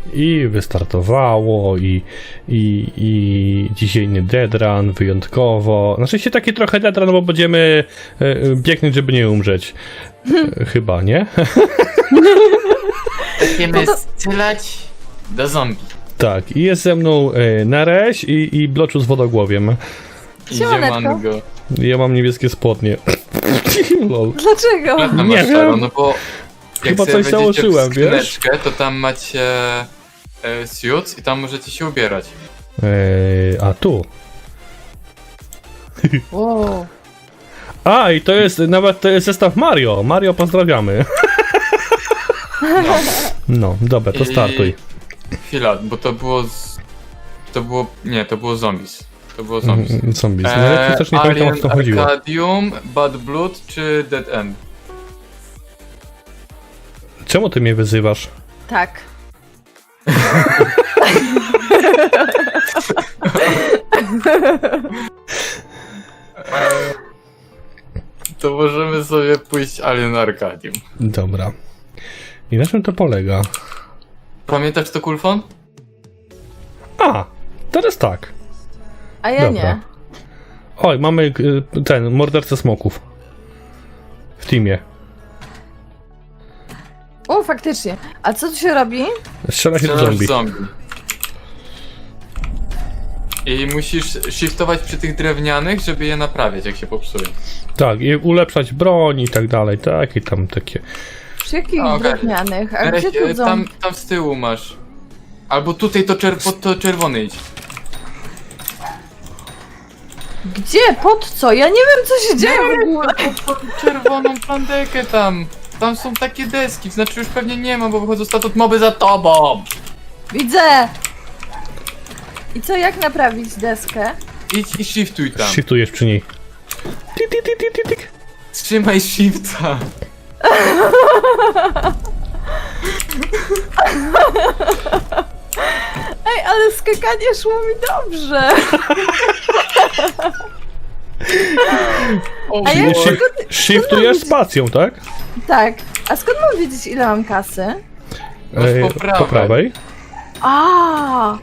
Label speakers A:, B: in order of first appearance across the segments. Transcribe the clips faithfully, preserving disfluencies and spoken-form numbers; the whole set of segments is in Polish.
A: I wystartowało i, i, i dzisiejny deadrun wyjątkowo. Znaczy się taki trochę deadrun, bo będziemy e, biegnieć, żeby nie umrzeć. E, chyba, nie?
B: Będziemy strzelać do zombie.
A: Tak, i jest ze mną e, Nereś i, i Bloczu z wodogłowiem.
B: Idziemy go.
A: Ja mam niebieskie spodnie. Lol.
C: Dlaczego?
B: No
A: Nie
B: masz
A: wiem.
B: szaro, no bo jak
A: Chyba
B: sobie
A: coś
B: wejdziecie
A: założyłem,
B: w
A: wiesz?
B: skrzyneczkę, to tam macie e, suits i tam możecie się ubierać.
A: E, a tu.
C: Wow.
A: A, i to jest nawet to jest zestaw Mario. Mario, pozdrawiamy.
B: No.
A: No, dobra, to
B: I-
A: startuj.
B: Chwila, bo to było z... To było... Nie, to było zombies. To było zombies.
A: Mm, Zombies. No ja też nie pamiętam, o co
B: Alien
A: chodziło.
B: Arcadium, Bad Blood czy Dead End?
A: Czemu ty mnie wyzywasz?
C: Tak.
B: To możemy sobie pójść Alien Arcadium.
A: Dobra. I na czym to polega?
B: Pamiętasz to, Kulfon?
A: A, teraz tak.
C: A ja
A: Dobra.
C: nie.
A: Oj, mamy y, ten, mordercę smoków. W teamie.
C: O, faktycznie. A co tu się robi?
A: Strzela się do
B: Strzelasz
A: zombie.
B: w zombie. I musisz shiftować przy tych drewnianych, żeby je naprawiać, jak się popsuje.
A: Tak, i ulepszać broń i tak dalej, tak, i tam takie.
C: Przy jakich
B: A, okej.
C: drewnianych? A
B: Nereś,
C: gdzie tu
B: e,
C: są?
B: tam, tam z tyłu masz. Albo tutaj to, czer pod to czerwony idź.
C: Gdzie? Pod co? Ja nie wiem, co się dzieje w ogóle.
B: Pod tą czerwoną plandekę tam. Tam są takie deski, znaczy już pewnie nie ma, bo wychodzą statut moby za tobą.
C: Widzę! I co, jak naprawić deskę?
B: Idź i shiftuj tam.
A: Shiftujesz przy niej. Tik, tik, tik, tik, tik, tik.
B: Trzymaj shifta.
C: Ej, ale skakanie szło mi dobrze.
B: O,
C: A ja
B: Boże.
C: skąd,
A: Shiftujesz spacją, tak?
C: tak. A skąd mam wiedzieć, ile mam kasy?
B: Masz
A: E,
B: po prawej.
A: po prawej.
C: A,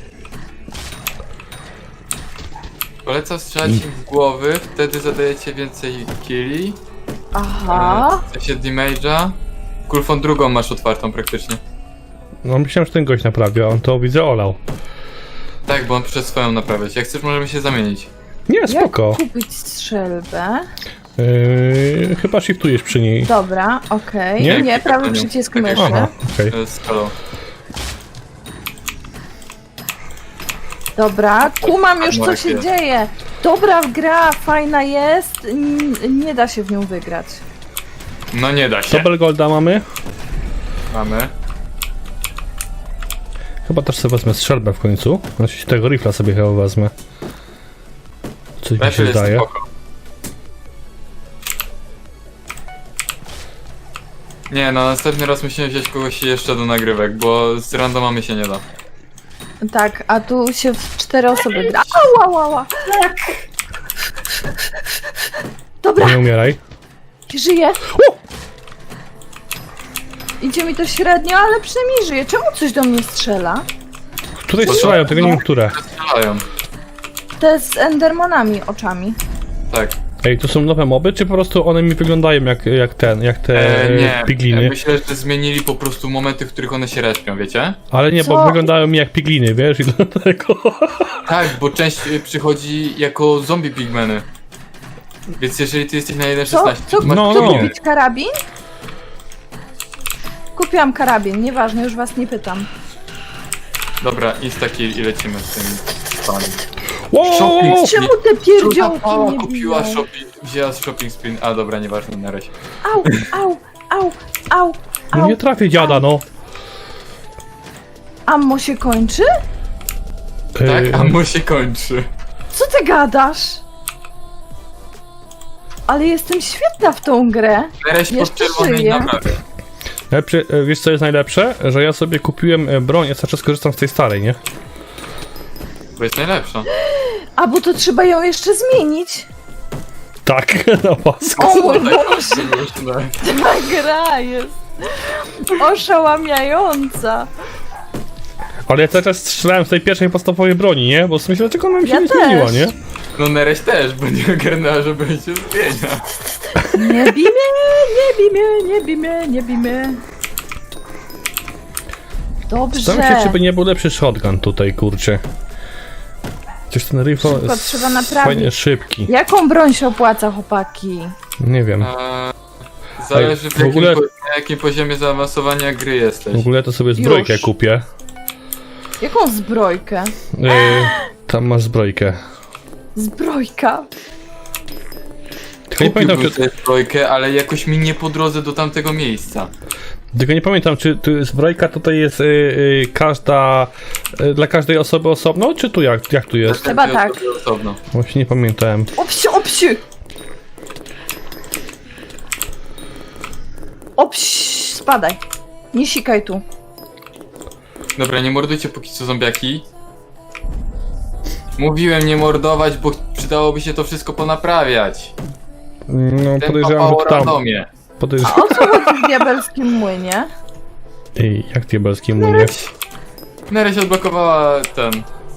B: Polecam strzelać im w głowy, wtedy zadajecie więcej killi.
C: aha.
B: W sensie damage'a. Kulfon drugą masz otwartą praktycznie.
A: No myślałem, że ten gość naprawia, a on to widzę olał.
B: Tak, bo on przez swoją naprawiać. Jak chcesz, możemy się zamienić.
A: Nie, spoko.
C: Jak kupić strzelbę?
A: Yy, chyba shiftujesz przy niej.
C: Dobra, okej.
A: Nie?
C: Nie, nie, prawy
B: Tak,
C: przycisk
B: tak,
C: myszy.
A: Aha, okej.
B: To jest halo.
C: Dobra, kumam już, co
B: Marek
C: się
B: jest.
C: dzieje. Dobra gra, fajna jest, n- nie da się w nią wygrać.
B: No nie da się.
A: Double golda mamy.
B: Mamy.
A: Chyba też sobie wezmę strzelbę w końcu. Znaczy tego rifla sobie chyba wezmę. Coś mi
B: Lepiej
A: się
B: jest
A: zdaje.
B: spoko. Nie, no następny raz musimy wziąć kogoś jeszcze do nagrywek, bo z randomami się nie da.
C: Tak, a tu się w cztery osoby gra. Ała, ała, ała. Tak. Dobra,
A: Nie umieraj.
C: żyję. Idzie mi to średnio, ale przynajmniej żyję. Czemu coś do mnie strzela?
A: Tutaj strzelają, tego nie wiem które.
B: Strzelają.
C: Te z endermanami oczami.
B: Tak.
A: Ej, to są nowe moby, czy po prostu one mi wyglądają jak, jak ten, jak te
B: E, nie,
A: pigliny?
B: myślę, że zmienili po prostu momenty, w których one się respią, wiecie?
A: Ale nie, bo
C: Co?
A: wyglądają mi jak pigliny, wiesz, i dlatego...
B: Tak, bo część y, przychodzi jako zombie pigmeny. Więc jeżeli ty jesteś na jeden
C: Co?
B: szesnaście,
C: Co?
B: to masz
A: No,
C: Chcę
A: no.
C: kupić karabin? Kupiłam karabin, nieważne, już was nie pytam.
B: Dobra, insta-kill i lecimy z tym panem.
A: Wow!
B: Shopping.
C: Czemu te pierdziołki
B: Mała
C: nie
B: kupiła
C: biją?
B: shopping, wzięła shopping sprint, a dobra, nieważne, na razie.
C: Au, au, au, au,
A: No
C: au.
A: nie trafię dziada, no.
C: Ammo się kończy?
B: Tak,
A: Ej,
B: a mu się kończy.
C: Co ty gadasz? Ale jestem świetna w tą grę.
B: Tereś pod
C: Jeszcze
B: czerwonej
C: żyje.
B: naprawy.
A: Lepszy, e, wiesz co jest najlepsze? Że ja sobie kupiłem e, broń, ja cały czas korzystam z tej starej, nie?
B: Bo jest najlepsza.
C: A bo to trzeba ją jeszcze zmienić.
A: Tak, na pasku.
C: O mój Boże, ta gra jest oszałamiająca.
A: Ale ja cały czas strzelałem z tej pierwszej podstawowej broni, nie? Bo myślę, dlaczego ona mi się
C: Ja
A: nie
C: też.
A: zmieniła, nie?
B: No Nereś też, bo nie ogarnęła, że będzie zmienia.
C: Nie bij mnie, nie bij mnie, nie bij mnie, nie bij mnie. Dobrze.
A: Zastanawiam się, czy by nie był lepszy shotgun tutaj, kurczę. Coś ten rifle
C: Szybko
A: jest
C: trzeba naprawić.
A: fajnie szybki.
C: Jaką broń się opłaca, chłopaki?
A: Nie wiem.
B: Eee, zależy w,
A: w ogóle-
B: jakim, po, na jakim poziomie zaawansowania gry jesteś.
A: W ogóle to sobie zbrojkę
C: Już.
A: kupię.
C: Jaką zbrojkę?
A: Yy, tam masz zbrojkę.
C: Zbrojka.
A: Tylko nie pamiętam,
B: Kupiłbym
A: czy,
B: tę trójkę, ale jakoś mi nie po drodze do tamtego miejsca.
A: tylko nie pamiętam, czy tu zbrojka tutaj jest yy, yy, każda, yy, dla każdej osoby osobno, czy tu jak, jak tu jest?
C: Chyba tak.
B: Osobno.
A: Właśnie nie pamiętałem.
C: Opsi, opsi! Opsi, spadaj. Nie sikaj tu.
B: Dobra, nie mordujcie póki co zombiaki. Mówiłem nie mordować, bo przydałoby się to wszystko ponaprawiać.
A: No
B: Ten
A: podejrzewam,
B: papało
A: że tam.
B: randomie.
A: Podejrzewam.
C: A o co chodzi w diabelskim młynie?
A: Ej, jak diabelski młynie?
B: Nereś odblokowała ten...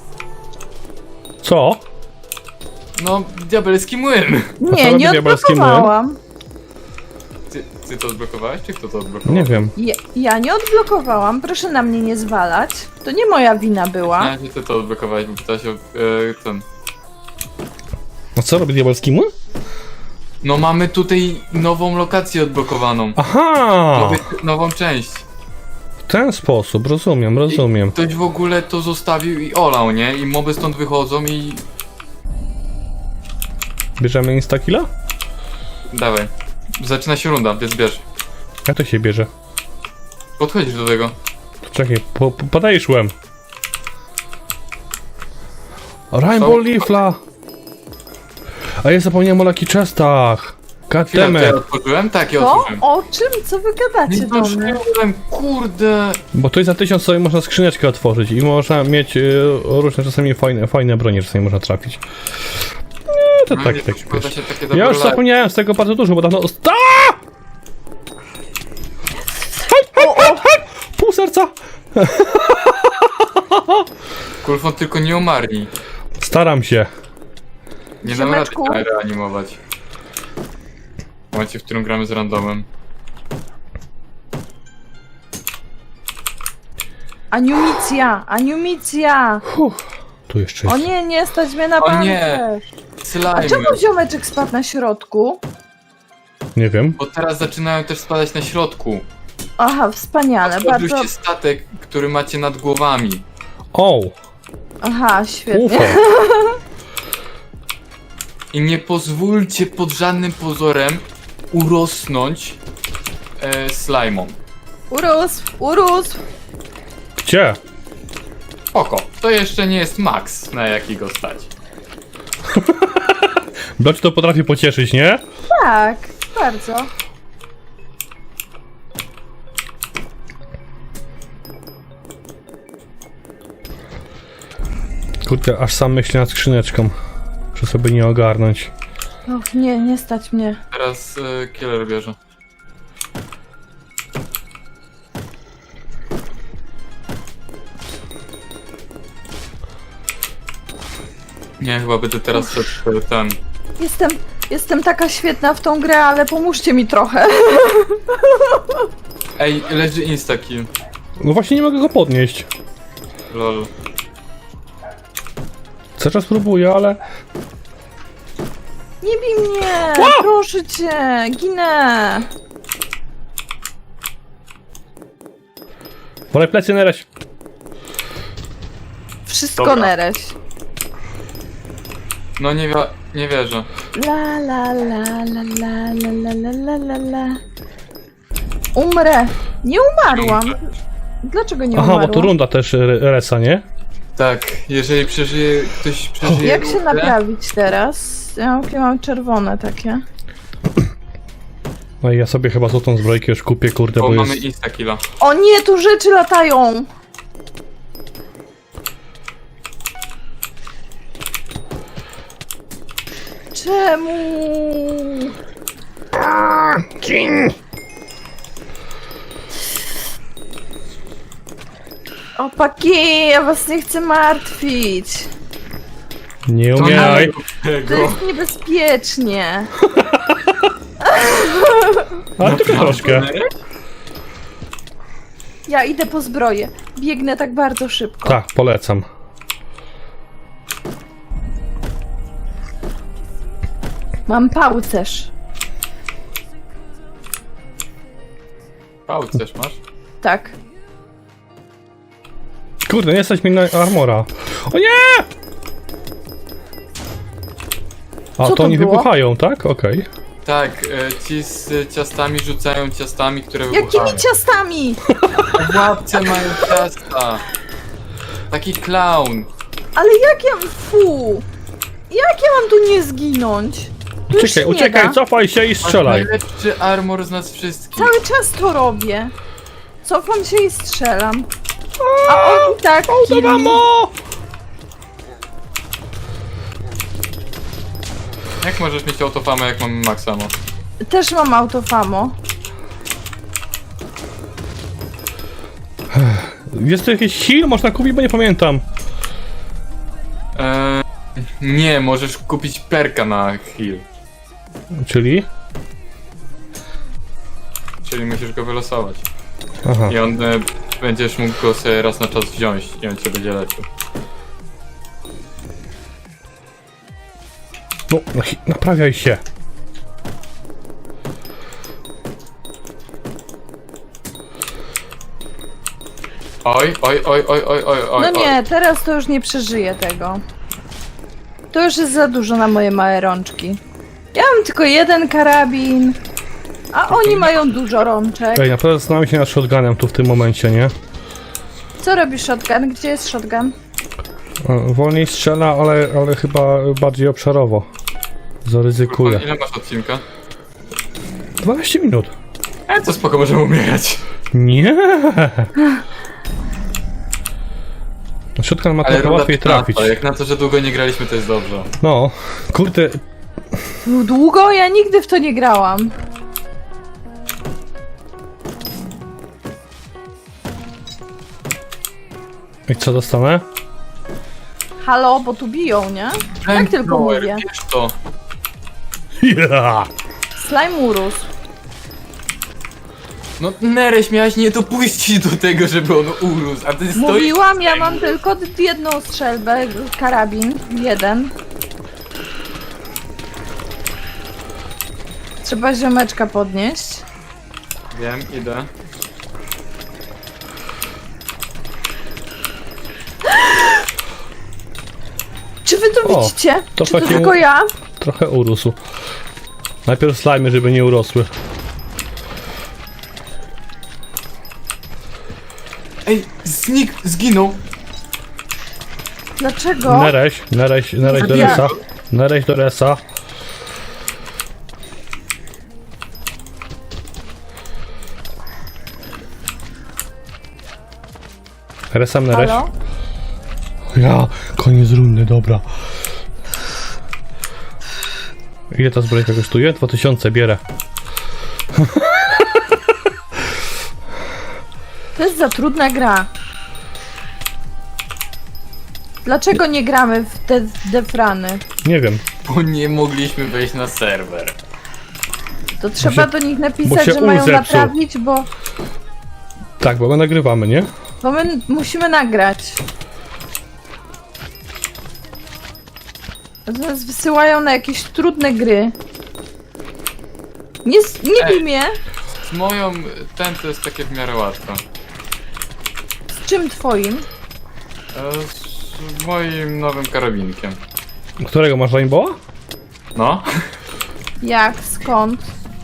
A: Co?
B: No, diabelski młyn.
A: co
C: Nie,
A: robi
C: nie
A: diabelski młyn?
C: odblokowałam.
B: Ty, ty to odblokowałeś, czy kto to odblokował?
A: Nie wiem.
C: Ja, ja nie odblokowałam, proszę na mnie nie zwalać. To nie moja wina była.
B: Nie, że ty to odblokowałeś, bo pytałeś o e, ten...
A: A co robi diabelski młyn?
B: No mamy tutaj nową lokację odblokowaną.
A: Aha!
B: Nowy, nową część.
A: W ten sposób, rozumiem, rozumiem.
B: Ktoś w ogóle to zostawił i olał, nie? I moby stąd wychodzą i...
A: Bierzemy instakilla?
B: Dawaj. Zaczyna się runda, więc bierz.
A: Jak to się bierze?
B: Podchodzisz do tego.
A: Czekaj, po, po, podajesz łem. Rainbow
B: Co?
A: Leafla! A ja zapomniałem o Lucky Chestach!
B: Chwila, to ja
A: Goddammit!
B: otworzyłem? Tak, ja
C: To?
B: otworzyłem.
C: O czym? Co wy gadacie
B: Nie
C: do mnie?
B: zdążyłem, kurde.
A: Bo tu za tysiąc sobie można skrzyneczkę otworzyć i można mieć y, różne czasami fajne, fajne bronie, czasami można trafić. Nie, to
B: No
A: tak,
B: nie,
A: tak,
B: to składa
A: wiesz.
B: się takie
A: Ja
B: dobre
A: już
B: live.
A: zapomniałem z tego bardzo dużo, bo dawno... Sta!
C: O, o,
A: Pół serca!
B: Kulfon tylko nie umarli.
A: Staram się.
B: Nie dam rady
C: Ziomeczku.
B: tak reanimować. W momencie, w którym gramy z randomem.
C: Aniumicja, Aniumicja!
A: Tu jeszcze
C: O
A: jest.
C: nie, nie stać mnie na
B: O
C: bankę.
B: nie.
C: A
B: Slime.
C: czemu ziomeczek spadł na środku?
A: Nie wiem.
B: Bo teraz zaczynają też spadać na środku.
C: Aha, wspaniale,
B: Otworzył
C: bardzo...
B: się statek, który macie nad głowami.
A: O!
C: Aha, świetnie.
A: Ufo!
B: I nie pozwólcie pod żadnym pozorem urosnąć e, slajmom.
C: Urósł, urósł.
A: Gdzie?
B: Oko, to jeszcze nie jest max, na jaki go stać.
A: Bloci to potrafi pocieszyć, nie?
C: Tak, bardzo.
A: Kurde, aż sam myślę nad skrzyneczką. Muszę sobie nie ogarnąć.
C: Och, nie, nie stać mnie.
B: Teraz e, killer bierze. Nie, chyba będę teraz szedł e, ten.
C: Jestem, jestem taka świetna w tą grę, ale pomóżcie mi trochę.
B: Ej, leży instakill.
A: No właśnie nie mogę go podnieść.
B: Lol.
A: Cały czas próbuję, ale...
C: Nie bij mnie, proszę cię, ginę.
A: Wolę plecy na razie.
C: Wszystko
B: Dobra.
C: Nereś.
B: No nie, wi- nie wierzę.
C: La la la la la la la la la la la. Umrę. Nie umarłam. Dlaczego nie
A: Aha,
C: umarłam?
A: bo tu runda też re- resa, nie?
B: Tak, jeżeli przeżyje, ktoś przeżyje
C: Jak się
B: rundę,
C: naprawić teraz? Ja mam, ja mam czerwone takie.
A: No i ja sobie chyba złotą zbrojkę już kupię, kurde,
B: bo
A: bo
B: mamy
A: jest...
B: instakilla.
C: O nie, tu rzeczy latają! Czemu? Opaki, ja was nie chcę martwić.
A: Nie
B: To
A: umieraj.
B: nie rób
C: To
B: tego.
C: jest niebezpiecznie.
A: A tylko troszkę.
C: Ja idę po zbroję. Biegnę tak bardzo szybko.
A: Tak, polecam.
C: Mam pałcerz.
B: Pałcerz masz?
C: Tak.
A: Kurde, nie stać mi na armora. O nie! A
C: Co
A: to
C: to
A: oni
C: było?
A: wybuchają, tak? Okej.
B: Tak, e, ci z e, ciastami rzucają ciastami, które wybuchają.
C: Jakimi ciastami?
B: W łapce mają ciasta. Taki clown.
C: Ale jak ja... Fu! Jak ja mam tu nie zginąć? Tu już
A: Uciekaj,
C: się nie
A: uciekaj,
C: da.
A: cofaj się i
B: Masz
A: strzelaj.
B: najlepszy armor z nas wszystkich.
C: Cały czas to robię. Cofam się i strzelam. A on i tak
A: To
C: killi.
A: mamo!
B: Jak możesz mieć autofamę, jak mamy Maxamo?
C: Też mam autofamo.
A: Jest tu jakiś heal? Można kupić, bo nie pamiętam.
B: Eee, nie, możesz kupić perka na heal.
A: Czyli?
B: Czyli musisz go wylosować.
A: Aha.
B: I on e, będziesz mógł go sobie raz na czas wziąć i on cię będzie leczył.
A: No, no, hi- naprawiaj się.
B: Oj, oj, oj, oj, oj, oj, oj.
C: No nie, teraz to już nie przeżyję tego. To już jest za dużo na moje małe rączki. Ja mam tylko jeden karabin, a oni mają dużo rączek.
A: Ej, naprawdę zastanawiam się nad shotgunem tu w tym momencie, nie?
C: Co robi shotgun? Gdzie jest shotgun?
A: E, Wolniej strzela, ale, ale chyba bardziej obszarowo. Zaryzykuję.
B: Ile masz odcinka?
A: dwanaście minut.
B: E, to spoko, możemy umierać.
A: Nie. Shotgun ma trochę
B: runda
A: łatwiej
B: piętnasta,
A: trafić.
B: jak na to, że długo nie graliśmy, to jest dobrze.
A: No, kurde.
C: Długo? Ja nigdy w to nie grałam.
A: I co dostanę?
C: Halo, bo tu biją, nie? Tak tylko
B: Flamethrower,
C: mówię.
B: Wiesz to.
A: Ja!
C: Slime urósł.
B: No Nereś, miałaś nie dopuścić do tego, żeby on urósł, a ty stoisz...
C: Mówiłam, ja mam tylko jedną strzelbę, karabin, jeden. Trzeba ziomeczka podnieść.
B: Wiem, idę.
C: Czy wy to
A: O,
C: widzicie?
A: to
C: Czy to
A: takie-
C: tylko ja?
A: Trochę urósł. Najpierw slajmy, żeby nie urosły.
B: Ej, znik, zginął.
C: Dlaczego?
A: Nereś, nereś, nereś do
B: Zabija
A: resa.
B: go.
A: Nereś do resa. Resam nereś.
C: Halo?
A: Ja, koniec rundy, dobra. Ile ta zbrojka kosztuje? dwa tysiące bierę.
C: To jest za trudna gra. Dlaczego nie gramy w te defrany?
A: Nie wiem.
B: Bo nie mogliśmy wejść na serwer.
C: To trzeba
A: się-
C: do nich
A: bo
C: napisać,
A: się
C: że mają
A: ul zepsuł.
C: naprawić, bo,
A: Tak, bo my nagrywamy, nie?
C: bo my musimy nagrać. Nas wysyłają na jakieś trudne gry. Nie, s- nie bij
B: Ej.
C: mnie.
B: Z moją, ten to jest takie w miarę łatwe.
C: Z czym twoim?
B: E, z moim nowym karabinkiem.
A: Którego masz Rainbowa?
B: No.
C: Jak? Skąd?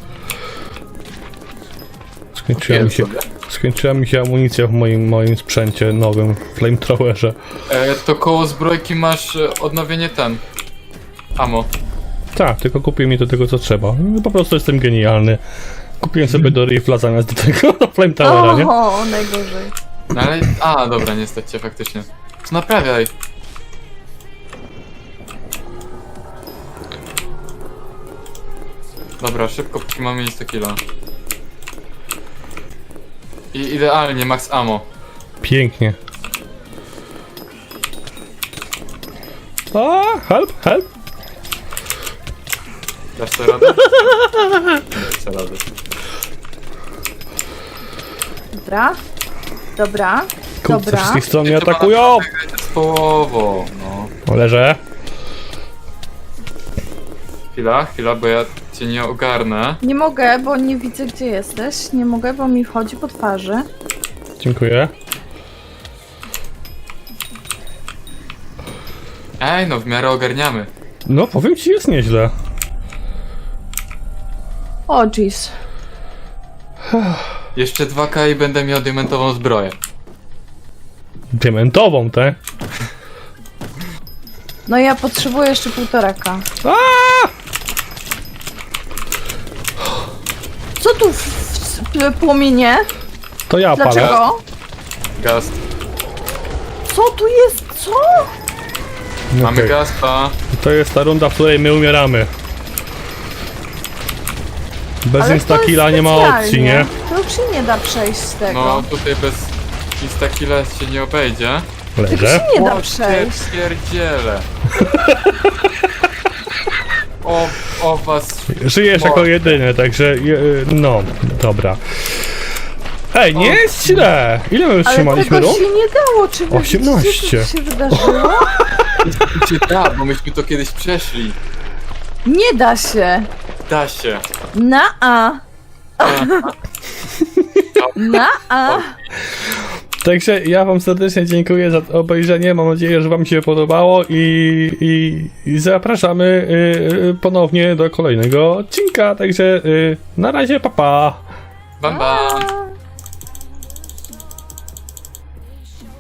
A: Skończyła mi się,
B: Sobie.
A: skończyła mi się amunicja w moim, moim sprzęcie nowym flamethrowerze.
B: E, to koło zbrojki masz e, odnowienie ten. Amo.
A: Tak, tylko kupię mi do tego co trzeba. No, po prostu jestem genialny. Kupiłem sobie do rifla zamiast do tego do flamethrowera, nie?
C: O, najgorzej.
B: No ale... A, dobra, nie stać cię faktycznie. To naprawiaj. Dobra, szybko, póki mamy insta killa. I idealnie, max ammo.
A: Pięknie. A, help, help.
B: Dasz sobie radę? Dasz sobie radę.
C: Dobra. Dobra.
A: Kurczę, z
C: Dobra.
A: wszystkich stron mnie
B: Ty chyba
A: atakują.
B: naprawdę grajcie z połową, no.
A: O, leżę.
B: Chwila, chwila, bo ja cię nie ogarnę.
C: Nie mogę, bo nie widzę, gdzie jesteś. Nie mogę, bo mi wchodzi po twarzy.
A: Dziękuję.
B: Ej, no w miarę ogarniamy.
A: No, powiem ci, jest nieźle.
C: O, jeez.
B: Jeszcze dwa K i będę miał diamentową zbroję.
A: Diamentową, te.
C: No ja potrzebuję jeszcze półtora K.
A: A!
C: Co tu w, w, w płomienie?
A: To ja palę.
C: Dlaczego?
B: Gast.
C: Co tu jest? Co?
B: Mamy
A: Okej.
B: gasta.
A: To jest ta runda, w której my umieramy. Bez
C: Ale to
A: instakilla
C: jest
A: nie ma
C: specjalnie.
A: opcji, nie?
C: To już się nie da przejść z tego.
B: No tutaj bez instakilla się nie obejdzie.
C: Tego
A: Leżę.
C: się nie da
B: O,
C: przejść.
B: pierdziele. O, o was.
A: Żyjesz jako
B: Może.
A: jedyny, także je, no, dobra. Ej, nie
B: O.
A: jest źle! Ile my
C: Ale
A: trzymaliśmy
C: tego
A: rund?
C: się nie dało. Czy wy
A: osiemnaście.
C: widzicie, co się wydarzyło?
B: Się da, bo myśmy to kiedyś przeszli.
C: Nie da się.
B: Da się.
C: Na A. Na A.
A: Także ja wam serdecznie dziękuję za obejrzenie. Mam nadzieję, że wam się podobało i, i, i zapraszamy y, y, ponownie do kolejnego odcinka. Także y, na razie, pa pa!
B: Bam bam.
C: A.